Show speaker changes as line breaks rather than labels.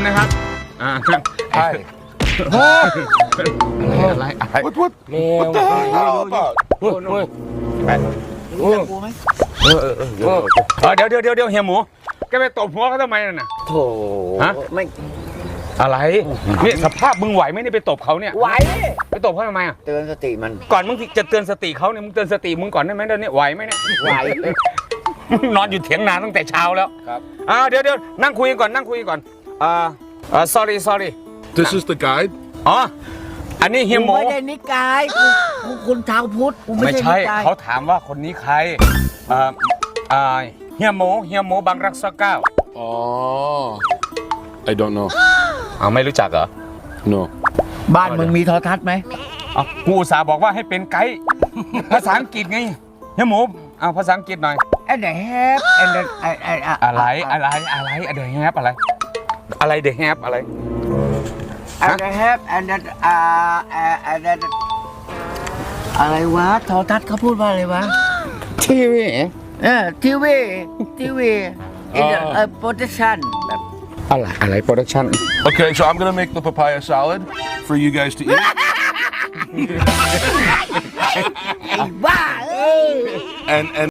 นะครับ
ใช่
อะไร
What
แมว
the hell about
เฮ้ยเฮ้ย
รู้จักกูไหม
เดี๋ยวเฮียหมูแกไปตบหัวเขาทำไมน่ะนะ
โถ
ฮะ
ไม่
อะไรนี่สภาพมึงไหวไหมนี่ไปตบเขาเนี่ย
ไหว
ไปตบเขาทำไมอ่ะ
เตือนสติมัน
ก่อนมึงจะเตือนสติเขาเนี่ยมึงเตือนสติมึงก่อนได้ไหมเดี๋ยวนี้ไหวไหมเนี่ย
ไหว
นอนอยู่เถียงนาตั้งแต่เช้าแล้ว
ครับ
เดี๋ยวนั่งคุยกันก่อนนั่งคุยกันก่อนsorry
This is the guide
อ๋ออันนี้เฮียหมู
ไม่ได้นิกายกูคุณชาวพุทธกูไม่
ไม่
ใช่
ใช่
นิกาย
เขาถามว่าคนนี้ใครเฮียหมูบางรักษาเก้า
Oh I don't know
ไม่รู้จักเหรอ
No
บ้านมึงมีโทรทัศน์ไหม
กูอุตส่าห์บอกว่าให้เป็นไกด์ภาษาอังกฤษไงเฮียหมูเอาภาษาอังกฤษหน่อย
and the have and the
อะไรเดอะแฮปอะไรเดอะแฮปอะไร
and the have and the and the อะไรวะโทรทัศน์เขาพูดว่าอะไรวะ
ทีวี
ทีวีin the production แบบ
อะไรโปรดักชั่น
Okay so I'm gonna make the papaya salad for you guys to eat
ไอ้บ้า
and